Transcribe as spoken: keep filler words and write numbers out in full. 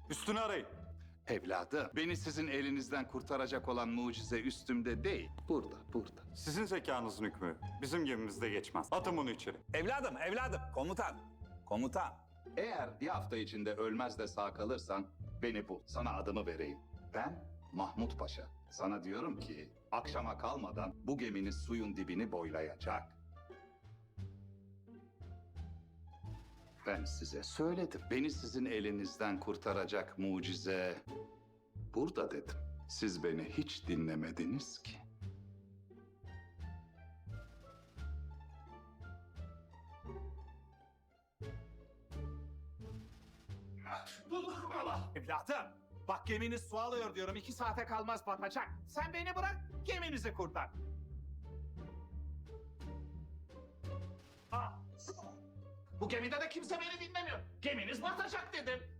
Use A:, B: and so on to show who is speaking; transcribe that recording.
A: Üstünü arayın.
B: Evladım, beni sizin elinizden kurtaracak olan mucize üstümde değil, burada, burada.
A: Sizin zekanızın hükmü bizim gemimizde geçmez. Atın bunu içeri.
C: Evladım, evladım. Komutan. Komutan.
B: Eğer bir hafta içinde ölmez de sağ kalırsan beni bul, sana adımı vereyim. Ben Mahmut Paşa. Sana diyorum ki akşama kalmadan bu geminiz suyun dibini boylayacak. Ben size söyledim. Beni sizin elinizden kurtaracak mucize burada dedim. Siz beni hiç dinlemediniz ki.
C: Evladım. Bak geminiz su alıyor diyorum. İki saate kalmaz batacak. Sen beni bırak, geminizi kurtar. Aa, bu gemide de kimse beni dinlemiyor. Geminiz batacak dedim.